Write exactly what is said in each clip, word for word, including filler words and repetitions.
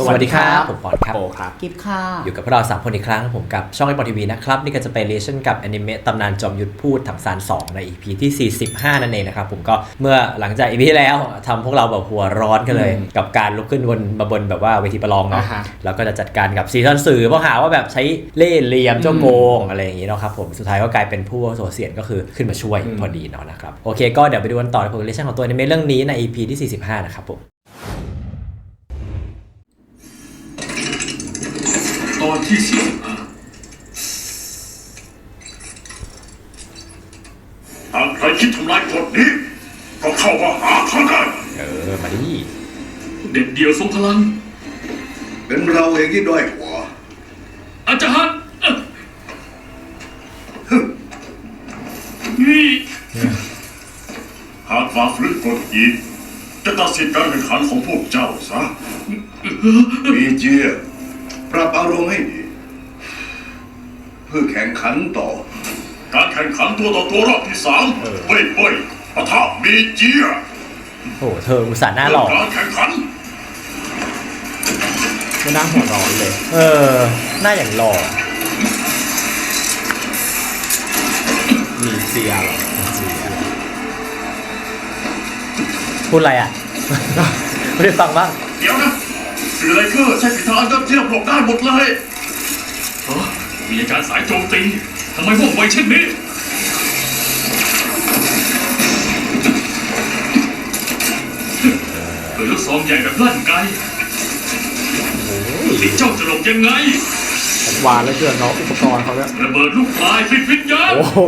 สวัสดีครับผมปอนครับโปครับกิฟค่ะอยู่กับพวกเราสามคนอีกครั้งผมกับช่องไอปอนทีวีนะครับนี่ก็จะเป็นเรชั่นกับแอนิเมะตำนานจอมยุทธพูดถังซานสองใน อี พี ที่สี่สิบห้านั่นเองนะครับผมก็เมื่อหลังจาก อี พี ที่แล้วทำพวกเราแบบหัวร้อนกันเลยกับการลุกขึ้นบนมาบนแบบว่าเวทีประลองเนาะแล้วก็จะจัดการกับซีซันสื่อเพราะหาว่าแบบใช้เล่ห์เหลี่ยมเจ้าโกงอะไรอย่างงี้เนาะครับผมสุดท้ายก็กลายเป็นผู้โสเสียนก็คือขึ้นมาช่วยพอดีเนาะนะครับโอเคก็เดี๋ยวไปดูกันต่อในผลเรชั่นของตัวแอนิเมะเรื่องนี้ใน อี พี ที่สี่สิบห้านะครับผมตอนที่สี่สิบห้าหากใครคิดทำลายกฎนี้ก็เข้ามาหาข้าได้เออมาดิเด็ดเดียวทรงพลังเป็นเราเองที่ด้อยกว่าอาจารย์นี่หากฝ่าฝืนกฎอีกจะตัดสินการแข่งขันของพวกเจ้าซะมีเจียปรับอารมณ์ให้ดีเพื่อแข่งขันต่อการแข่งขันตัวต่อตัวรอบที่สามเว้ยเว้ยปะทะมีเจียโอ้เธออุตส่าห์หน้าหล่อการแข่งขันไม่น่าหัวร้อนเลยเออหน้าอย่างหล่อมีเสียหรอพูดอะไรอ่ะ ไม่ได้ฟังบ้างเดี๋ยวนะสื่อไรเกอร์ใช้ฝีเท้าอันยอดเยี่ยมหลบได้หมดเลยเออมีอาการสายโจมตีทำไมว่องไวเช่นนี้เปิดลูกซองใหญ่แบบลั่นไกลิงเจ้าจะหลบยังไงหวานแล้วเกินเนาะอุปกรณ์เขาเนี่ยระเบิดลูกปลายฟิตวิญญาณโอ้โห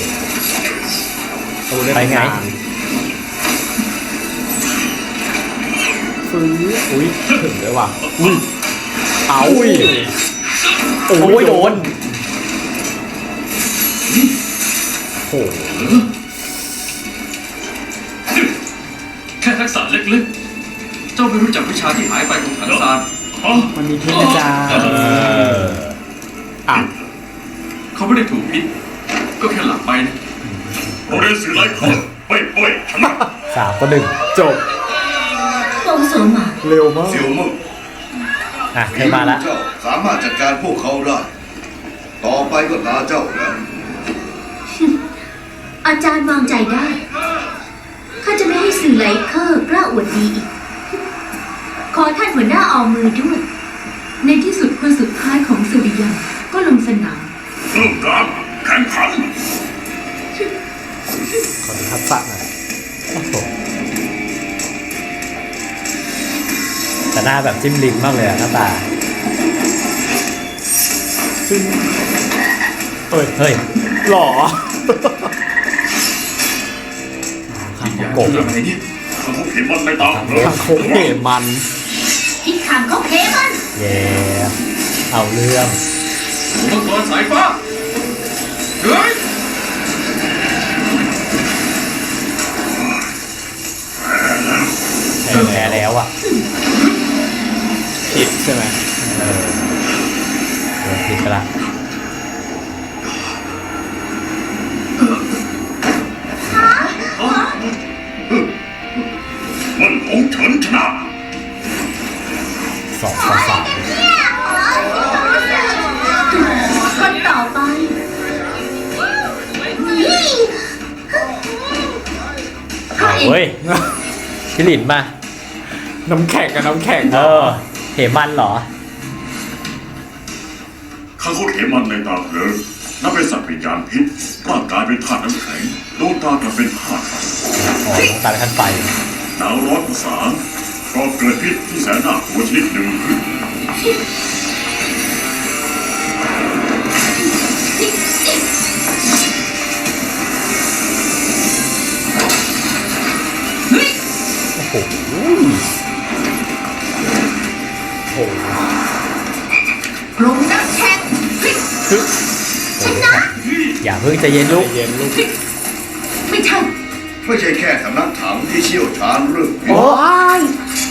ไปไงฟื้นอุ้ยถึงเลยว่ะอุ้ยเอาอุ้ยโอ้ยโดนโอ้แค่ทักษะเล็กๆเจ้าไม่รู้จักวิชาที่หายไปของถังซานมันมีเทคนิคจ้าอ่ะเขาไม่ได้ถูกพิษก็แค่หลับไปนะโรเรนสื่อไรเขาไปไปชนะสามต่อหนึ่งจบโตโสมาเร็วมากเสี่ยวมึงอ่ะเคยมาละเจ้าสามารถจัดการพวกเขาได้ต่อไปก็ตาเจ้าแล้วอาจารย์วางใจได้ข้าจะไม่ให้สื่อไหลเคอร์กล้าอวดดีอีกขอท่านหัวหน้าเอามือด้วยในที่สุดคนสุดท้ายของสุริยันก็ลงสนามเริ่มการแข่งขันขอดูทักษะหน่อยโอ้โหแต่หน้าแบบจิ้มลิ้มมากเลยอะหน้าตาซึ่งเอ้ยเฮ้ยหล่อข้างโกงอะไรเนี่ยข้างโกงเขมันไม่ตามเลยข้างโกงเขมันที่ขางเขาเขมันเย่เอาเรื่องมังกรสายฟ้าเฮ้ยแพ้แล้วอ่ะผิดใช่ไหมเออโดนผิดไปละมันของฉันชนะสองต่อสามคนต่อไปเฮ้ยพี่หลินมาน้ำแข็งกับน้ำแข็งเออเหมันเหรอข้าเขาเขมันในตาเพลิงนับเป็นสัตว์วิญญาณพิษร่างกายเป็นธาตุน้ำแข็งดวงตากลับเป็นธาตุไฟอ๋อดวงตาเป็นธาตุไฟหนาวร้อนภาษาก็เกิดพิษที่แสนน่ากลัวชนิดหนึ่งขึ้นโอ้โหโอ้โหกลมน้ำแข็งชนะอย่าเพิ่งใจเย็นลูกเย็นลูกไม่ใช่ไม่ใช่แค่สำนักถังที่เชี่ยวชาญเรื่องโอ้ย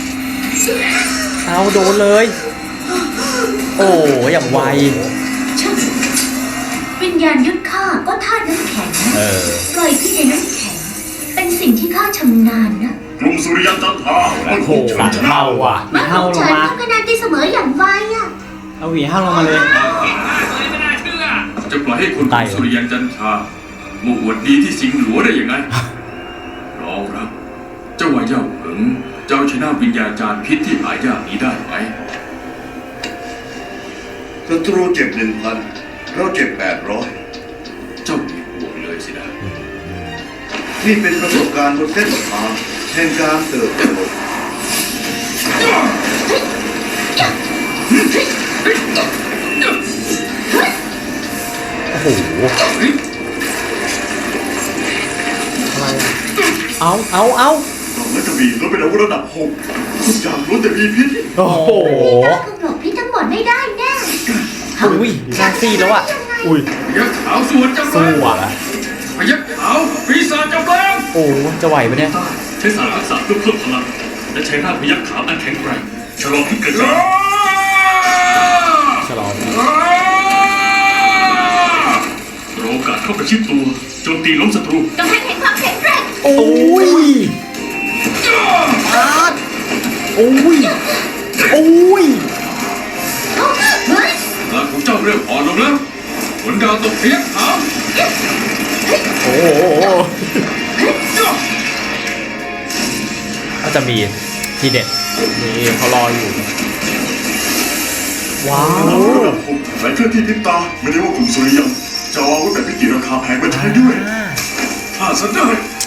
เอาโดนเลยโอ้อย่างไวช่างวิญญาณยุทธข้าก็ธาตุน้ำแข็งปล่อยพิษในน้ำแข็งเป็นสิ่งที่ข้าชำนาญนะกลุ่มสุริยันจันทราโอ้โหสามเท่าว่ะหวีเท่าลงเฉินมาทำคะแนนตีเสมออย่างไวอ่ะเอาหวีเท่าลงมาเลยจะปล่อยให้คนกลุ่มสุริยันจันทรามาอวดดีที่สิงห์หลวงได้ยังไงรองรับ เจ้าว่าเย่าเหิงเจ้าชนะวิญญาจารย์พิษที่หายากนี้ได้ไหมศัตรูเจ็บหนึ่งพันเราเจ็บแปดร้อยเจ้ามีห่วงเลยสินะนี่เป็นประสบการณ์บนเส้นทางแห่งการเติบโตโอ้โห เอาเอาเอาเราและจะมีเราเป็นอาวุธระดับหกทุกอย่างล้วนแต่มีพิษโอ้โหคือหลบพิษทั้งหมดไม่ได้แน่อุ้ยหน้าซีดแล้วอ่ะอุ้ยพยักขาวสวนจำแรสู้งอ่ะพยักขาวปีศาจจำแรงโอ้จะไหวปะเนี่ยใช้สารทักษะเพื่อเพิ่มพลังและใช้ร่างพยักขาวอันแข็งแกร่งชะลอพิษกระจายฉลองรอโอกาสเข้าประชิดตัวโจมตีล้มศัตรูกำแพงแห่งความแข็งแกร่งโอ้ยอาร์ตโอ้ย โอ้ยเฮ้ยพลังของเจ้าเริ่มอ่อนลงแล้วผลดาวตกพยักขาวโอ้โหก็จะมีทีเด็ดนี่เขารออยู่ว้าวระดับหกหลายเครื่องที่พิษตาไม่ได้ว่ากลุ่มสุริยันจะเอาอาวุธแบบพิจิตรราคาแพงมาใช้ด้วยถ้าสันได้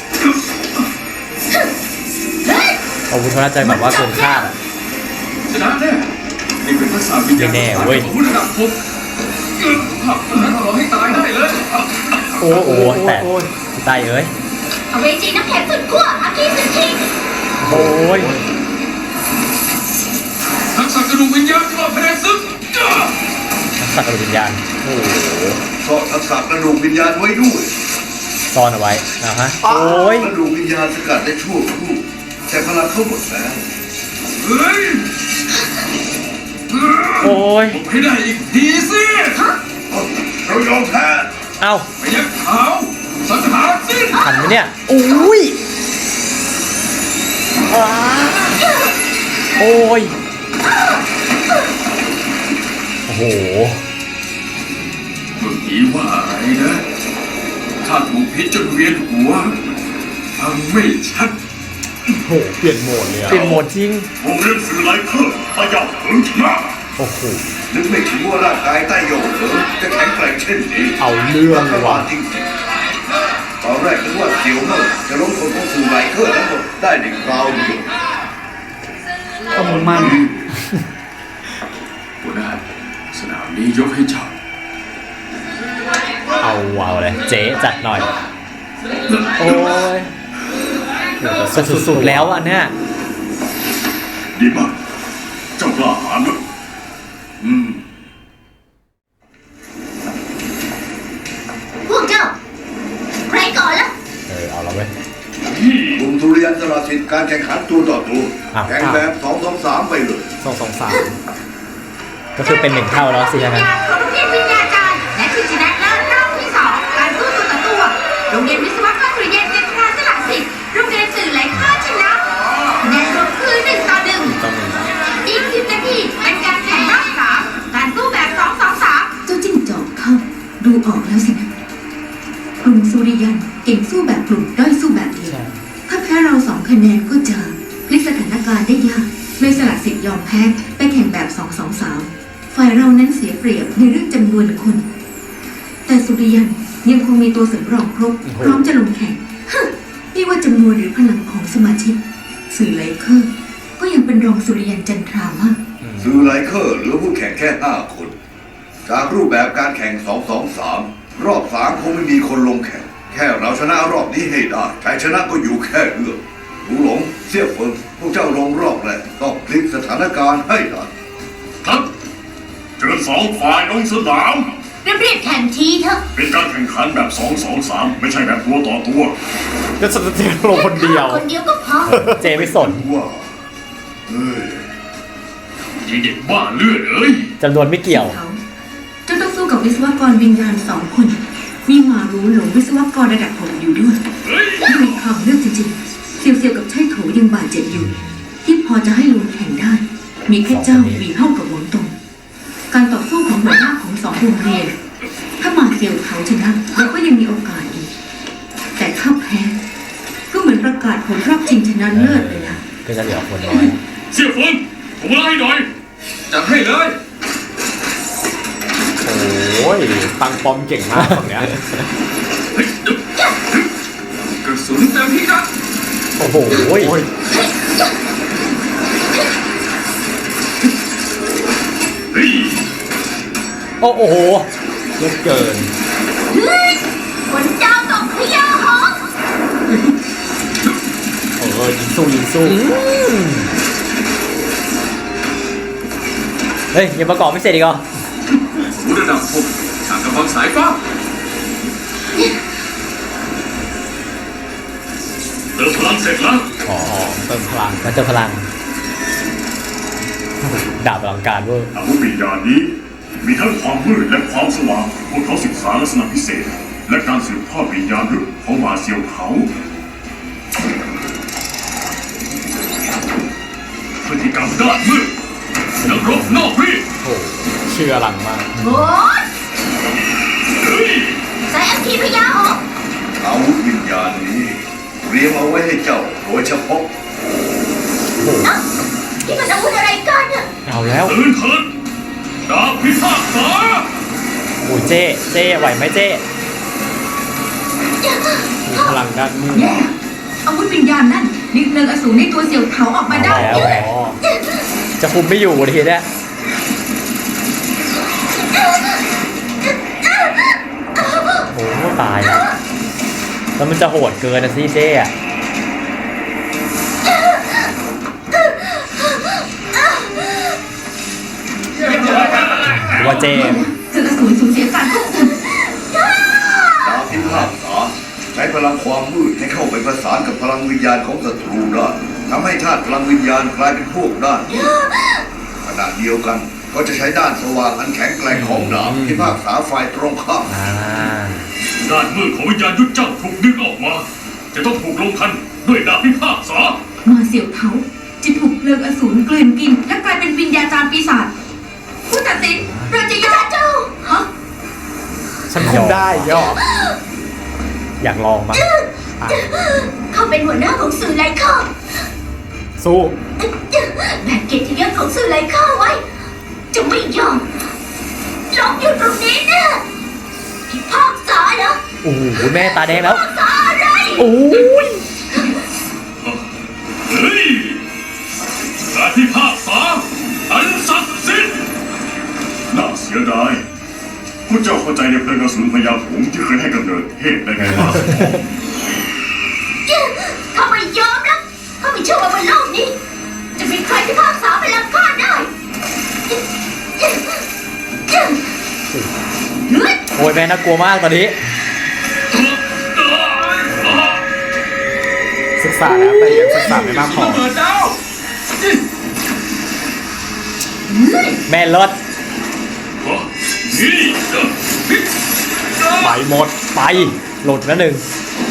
อาวุธเขาน่าจะแบบว่าเกินคาดอ่ะชนะแน่นี่เป็นทักษะวิญญาณไม่แน่เว้ยของระดับหกขับแล้วเราให้ตายได้เลยโอ้โหแต่โอ้ยตายเอ้ยเอาเวจีน้ำแข็งสุดขั้วอาคีสุดทีโอ้ยทักษะกระดูกวิญญาณกรอบแผนซึกสัตว์วิญญาณ โอ้โหเพราะทักษะกระดูกวิญญาณไว้ด้วยซ่อนเอาไว้นะฮะ โอ้ยกระดูกวิญญาณสกัดได้ชั่วครู่แต่พลังเข้าหมดแล้วเฮ้ยโอ้ยผมให้ได้อีกทีสิเรายอมแพ้เอ้าพยักขาวสังหารสิ้นทันไหมเนี่ยโอ้ยอ้าโอ้ย โอ้โหเมื่อกี้ว่าอะไรนะข้าถูกพิษจนเวียนหัวฟังไม่ชัดโอ้โหเปลี่ยนโหมดเลยอะเปลี่ยนโหมดจริงวงเล่นสื่อไร้เครื่องพยายามถึงชนะโอ้โหนึกไม่ถึงว่าร่างกายใต้โยกเหินจะแข็งแกร่งเช่นนี้เอาเรื่องเลยว่ะจริงๆตอนแรกนึกว่าเสียวเน่าจะล้มคนของสื่อไร้เครื่องทั้งหมดได้ในคราวเดียวก็มึงมั่นหัวหน้าสนามนี้ยกให้เจ้าเอาเอาเลย เจ๊จัดหน่อย โอ้ยจะสุดๆแล้วอ่ะเนี่ยดีมากเจ้ากล้าหาญนะอืมพวกเจ้า ใครก่อนล่ะเออ เอาแล้วเว้ยกลุ่มทุเรียนสละสิทธิ์การแข่งขันตัวต่อตัวอ้าวแข่งแบบสองสองสามไปเลยสองสองสามก็คือเป็นหนึ่งเท่าแล้วสิใช่ไหมงานของโรงเรียนวิญญาจารย์และชิงชนะเลิศรอบที่สองการสู้ตัวต่อตัวโรงเรียนวิศวกรสุริยันจันทราสละสิทธิ์โรงเรียนสื่อไหลข้าชนะคะแนนรวมคือหนึ่งต่อหนึ่งต้องมีอีกสิบนาทีเป็นการแข่งรอบสามการสู้แบบสองสองสามเจ้าจิ้งจอกเข้าดูออกแล้วสินะกลุ่มสุริยันเก่งสู้แบบกลุ่มด้อยสู้แบบเดียวใช่ถ้าแพ้เราสองคะแนนก็จะพลิกสถานการณ์ได้ยากเลยสละสิทธิ์ยอมแพ้ไปแข่งแบบสองสองสามฝ่ายเรานั้นเสียเปรียบในเรื่องจำนวนคน แต่สุริยันยังคงมีตัวสำรองครบโอ้โหพร้อมจะลงแข่งฮึ่มไม่ว่าจำนวนหรือพลังของสมาชิก สื่อไลเคอร์ก็ยังเป็นรองสุริยันจันทรามากสื่อไลเคอร์เหลือผู้แข่งแค่ห้าคน จากรูปแบบการแข่งสองสองสามรอบสามคงไม่มีคนลงแข่ง แค่เราชนะรอบนี้ให้ได้ชัยชนะก็อยู่แค่เรื่องหูหลงเสี่ยเฟิงพวกเจ้าลงรอบแรกต้องพลิกสถานการณ์ให้ได้ครับเชิญสองฝ่ายลงสนามเรียบๆแข่งทีเถอะเป็นการแข่งขันแบบสองสองสามไม่ใช่แบบตัวต่อตัวแล้วสเตลงคนเดียวคนเดียวก็พอเจ๊ไม่สนว่าเฮ้ยยิงเด็กบ้าเลือดเอ้ยจำนวนไม่เกี่ยวเขาจะต้องสู้กับวิศวกรวิญญาณสองคน มีหมารู้หลงวิศวกรระดับหกอยู่ด้วยเฮ้ยไม่มีทางเลือกจริงๆเซียวๆกับไช่โถยังบาดเจ็บอยู่ ที่พอจะให้ลงแข่งได้ มีแค่เจ้าหวีเท่ากับหวังตงการต่อสู้ของหัวหน้าของสองโรงเรียน ถ้ามาเซียวเขาชนะเราก็ยังมีโอกาสอีกแต่ถ้าแพ้ก็เหมือนประกาศผลรอบชิงชนะเลิศเลยนะก็จะเหลือคนน้อยเสี่ยเฟิงผมมาให้หน่อยจัดให้เลยโอ้ยตังปอมเก่งมากฝั่งเนี้ยเฮ้ยกระสุนเต็มพิกัดโอ้โหโอ้ยเฮ้ยโอ้โหเยอะเกินฝนดาวตกพยาหงเออยิงสู้ยิงสู้เฮ้ยยังประกอบไม่เสร็จอีกเหรอหูระดับหกทางกำบังสายฟ้าเติมพลังเสร็จแล้วอ๋อเติมพลังมันเติมพลัง ดาบอลังการเวอร์อาวุธวิญญาณนี้ มีทั้งความมืดและความสว่างพวกเขาศึกษาลักษณะพิเศษ และการสืบทอดวิญญาณลึกของมาเซียวเขาพฤติกรรมด้านมืดนักรบนอกรีดโอ้เชื่อหลังมากโอ้ยเฮ้ยใส่แอมพีพยาหงอาวุธวิญญาณนี้เตรียมเอาไว้ให้เจ้าโดยเฉพาะนะนี่มันอาวุธอะไรกันเนี่ยเอาแล้วตื่นเถิดดาบพิฆาตษาโอ้ยเจ๊เจ๊ไหวไหมเจ๊มีพลังด้านมืดแย่อาวุธวิญญาณนั่นดึงเนินอสูรในตัวเสี่ยวเถาออกมาได้แล้วไงอ๋อจะคุมไม่อยู่ทีเนี้ยโอ้โหตายแล้วแล้วมันจะโหดเกินนะสิเจ๊อะหรือว่าเจ๊เจออสูรสูญเสียการควบคุมดาบพิฆาตษาใช้พลังความมืดให้เข้าไปประสานกับพลังวิญญาณของศัตรูได้ทำให้ธาตุพลังวิญญาณกลายเป็นพวกด้านขณะเดียวกันก็จะใช้ด้านสว่างอันแข็งแกร่งของดาบพิพากษาฝ่ายตรงข้ามอ่าด้านมืดของวิญญาณยุทธเจ้าถูกดึงออกมา จะต้องถูกลงทันด้วยดาบพิฆาตษามาเสี่ยวเถาจะถูกเพลิงอสูรกลืนกินและกลายเป็นวิญญาจารย์ปีศาจผู้ตัดสินเราจะยอมเจ้าฮะฉันคุมได้ย่ออยากลองมั้งอ่ะเขาเป็นหัวหน้าของสื่อไลเคอร์สู้แบกเกียรติยศของสื่อไลเคอร์ไว้ จะไม่ยอมลองอยู่ตรงนี้นะพิพากษาเหรอโอ้โหแม่ตาแดงแล้วพิพากษาอะไรโอ้ยเฮ้ยการพิพากษาอันศักดิ์สิทธิ์น่าเสียดายพวกเจ้าเข้าใจในเพลิงกระสุนพยาหงส์ที่เคยให้กำเนิดเทพได้ไงบ้างเขาไม่ยอมนะเขาไม่เชื่อว่าบนโลกนี้ จะมีใครพิพากษาพลังข้าได้โอ้ยแม่น่ากลัวมากตอนนี้ศึกษาแล้วแต่ยังศึกษาไม่มากพอเปิดดาวแม่รถนี่ไปหมดไปหลุดแล้วหนึ่ง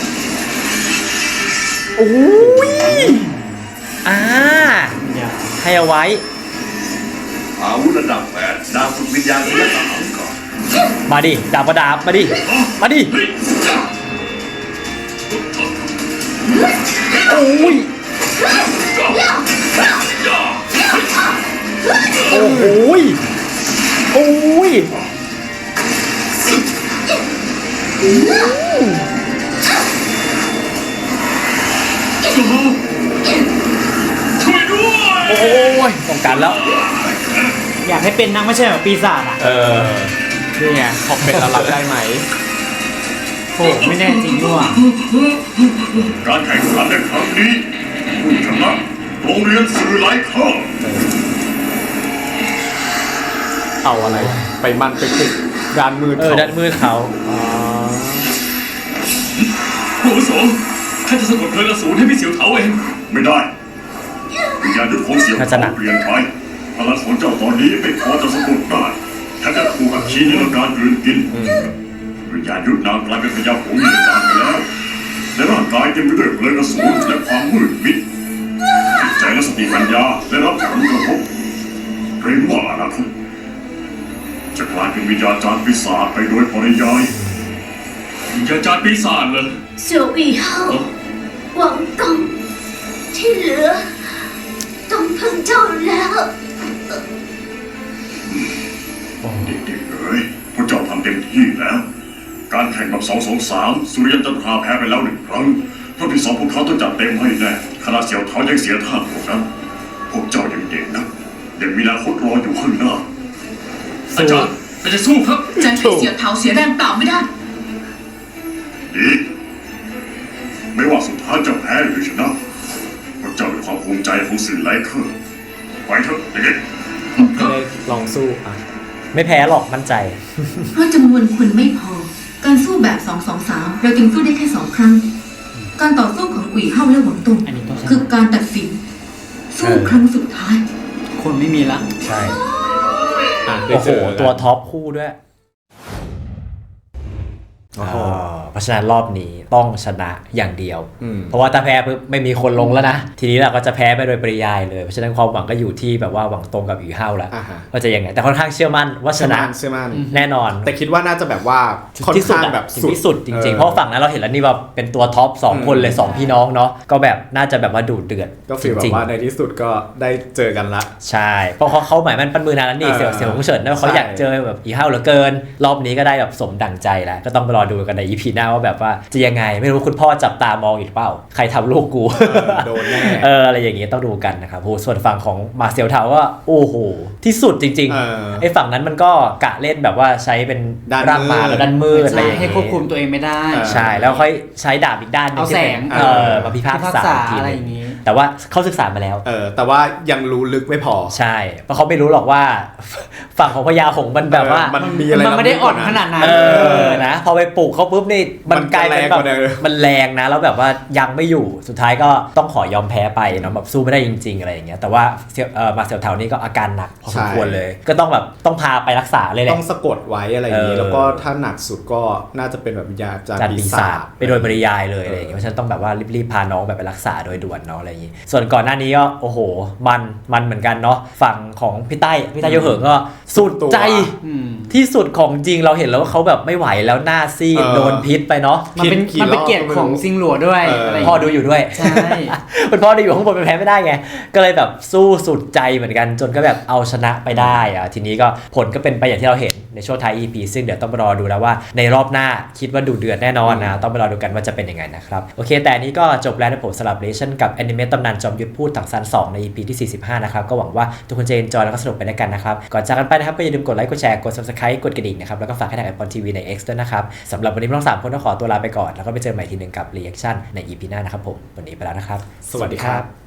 โอ้ยอ่าเนี่ยให้เอาไว้อาวุธระดับแปดดาบฝึกวิญญาณระดับสามก่อนมาดิดาบประดาบมาดิ มาดิ โอ้ย โอ้โหยโอ้ยช่วยด้วยโอ้ยป้องกันแล้วอยากให้เป็นนักไม่ใช่แบบปีศาจอ่ะเออนี่ไงพอเป็นแล้วรับได้ไหมโอ้ไม่แน่จริงด้วยการแข่งขันในครั้งนี้ผู้ชนะโรงเรียนสื่อไลเคอร์เอาอะไร ไปมันไปติดด้านมืดเออเขาด้านมือเขาอ๋อผู้อาวุโสข้าจะสะกดเพลิงอสูรให้พี่เสี่ยวเถาเองไม่ได้วิญญาณยุทธของเสี่ยวเถาเปลี่ยนไปพลังของเจ้าตอนนี้ไม่พอจะสะกดได้ถ้าจะถูกอัคคีนิรการกลืนกินวิญญาณยุทธนางกลายเป็นพยาหงส์นิรการไปแล้วในร่างกายเต็มไปด้วยเพลิงอสูรและความมืดมิดสติปัญญาได้รับผลกระทบเกรงว่าอนาคตจะกลายเป็นวิญญาจารย์ปีศาจไปโดยปริยายวิญญาจารย์ปีศาจเหรอเสี่ยวอีเฮาหวังตงที่เหลือต้องพึ่งเจ้าแล้วเด็กๆเอ๋ยพวกเจ้าทำเต็มที่แล้ว การแข่งแบบสองสองสามสุริยันจันทราแพ้ไปแล้วหนึ่งครั้งรอบที่สองพวกเขาต้องจัดเต็มให้แน่คณะเสี่ยวเท้ายังเสียท่าพวกนั้นพวกเจ้ายังเด็กนะยังมีอนาคตรออยู่ข้างหน้าอาจารย์อาจารย์สู้ครับจะให้เสี่ยวเท้าเสียแรงเปล่าไม่ได้ดีไม่ว่าสุดท้ายจะแพ้หรือชนะพวกเจ้าเป็นความภูมิใจของสื่อไลเคอร์ไปเถอะเด็กๆไม่ได้ลองสู้อ่ะไม่แพ้หรอกมั่นใจเพราะจำนวนคนไม่พอ การสู้แบบสองสองสามเราจึงสู้ได้แค่สองครั้ง การต่อสู้ของอุ๋ยเฮาและหวังตงอันนี้ต้องชนะคือการตัดสิน สู้เออครั้งสุดท้ายคนไม่มีละใช่อ่ะได้โอ้โหเจอตัวท็อปคู่ด้วยโอ้โหอ่าเพราะฉะนั้นรอบนี้ต้องชนะอย่างเดียวอืมเพราะว่าถ้าแพ้ปุ๊บไม่มีคนลงแล้วนะ ทีนี้เราก็จะแพ้ไปโดยปริยายเลย เพราะฉะนั้นความหวังก็อยู่ที่แบบว่าหวังตรงกับอีเฮาแล้วอ่าฮะว่าจะยังไง แต่ค่อนข้างเชื่อมั่นว่าชเชื่อนะมั่นเชื่อมั่นแน่นอนแต่คิดว่าน่าจะแบบว่าค่อนที่สุดข้างอะแบบถึงที่สุดจริงๆ เพออราะฝั่งนั้นเราเห็นแล้วนี่แบบเป็นตัวท็อปสองอืมคนเลยสองพี่น้องเนาะก็แบบน่าจะแบบว่าดูเดือดก็ฟีลแบจริบงๆว่าในที่สุดก็ได้เจอกันละใช่ เพราะเขาเขาหมายมันปั้นมือนานแล้วนี่เออเสี่ยวเสี่ยวหงเฉินนะเขาใช่อยากเจอแบบอีเฮาเหลือเกิน รอบนี้ก็ได้แบบสมดั่งใจแล้ว ก็ต้องไปรอดูกันในอีพีหน้าว่าแบบว่าจะยังไงไม่รู้คุณพ่อจับตามองอีกเปล่า ใครทำลูกกูเออโดนแน่เอออะไรอย่างงี้ต้องดูกันนะครับโหส่วนฝั่งของมาเซียวเทาก็โอ้โหที่สุดจริงเออๆไอ้ฝั่งนั้นมันก็กะเล่นแบบว่าใช้เป็นด้านร่างมามืดแล้วด้านมืดอะไรใช่อย่างให้งี้ควบคุมตัวเองไม่ได้เออใช่แล้วค่อยใช้ดาบอีกด้านหนึงเอาที่แสเป็นงเออมาพิพากษาพิพากษาอีกทีอะไรหอนึงย่างนี้แต่ว่าเขาศึกษามาแล้วเออแต่ว่ายังรู้ลึกไม่พอใช่ เพราะเขาไม่รู้หรอกว่า ฝั่งของพญาหงส์มันแบบว่าเออมันมีอะไรมันไม่ได้อ่อนขนาดนั้นเออนะพอไปปลูกเขาปุ๊บนี่มันมันกลายเป็นแบบจะแรงกว่าเดิมมันแรงนะแล้วแบบว่ายังไม่อยู่สุดท้ายก็ต้องขอยอมแพ้ไปเนาะแบบสู้ไม่ได้จริง ๆอะไรอย่างเงี้ยแต่ว่าเสี่ยวเอ่อมาเสี่ยวเถานี่ก็อาการหนักพอสมควรเลย ก็ต้องแบบต้องพาไปรักษาเลยแหละต้องสะกดไว้อะไรอย่างนี้เออแล้วก็ถ้าหนักสุดก็น่าจะเป็นแบบวิญญาณจารจัดย์ปีปีศาศาจจไปโดยปริยายเลยอะไรอย่างเงี้ยเพราะฉะนั้นต้องแบบว่ารีบๆพาน้องแบบไปรักษาโดยด่วนเนาะอะไรอย่างงี้ส่วนก่อนหน้านี้ก็โอ้โหมันมันเหมือนกันเนาะฝั่งของพี่ใต้พี่ใต้โยเหิงก็สุดใจอืมที่สุดของจริงเราเห็นแล้วว่าเขาแบบไม่ไหวแล้วหน้าซีดเออโดนพิษไปเนาะมันเป็นกี่มันเป็นรอบเกียรติของซิงหลัวด้วยเออออะไรอย่างพ่องี้ดูอยู่ด้วยใช่คุณพ่อดูอยู่ข้างบนเป็นแพ้ไม่ได้ไง ก็เลยแบบสู้สุดใจเหมือนกันจนก็แบบเอาชนะไปได้อะทีนี้ก็ผลก็เป็นไปอย่างที่เราเห็นในช่วงท้าย อี พี ซึ่งเดี๋ยวต้องไปรอดูแล้วว่าในรอบหน้าคิดว่าดูเดือดแน่นอนนะต้องไปรอดูกันว่าจะเป็นยังไงนะครับโอเคแต่อันนี้ก็จบแล้วนะผมสำหรับเลชั่นกับแอนิเมตตำนานจอมยุทธพูดถังซานสองใน อี พี ที่สี่สิบห้านะครับก็หวังว่าทุกคนจะเอนจอยแล้วก็สนุกไปด้วยกันนะครับก่อนจากกันไปนะครับก็อย่าลืมกดไลค์กดแชร์กด ซับสไครบ์ กดกระดิ่งนะครับแล้วก็ฝากให้ทาง Apple ที วี ใน X ด้วยนะครับสำหรับวันนี้พวกเราสามคนต้องขอตัวลาไปก่อนแล้วก็ไปเจอใหม่ทีหนึ่งกับรีแอคชั่นใน อี พี หน้านะครับผมวันนี้ไปแล้วนะครับสวัสดีครับ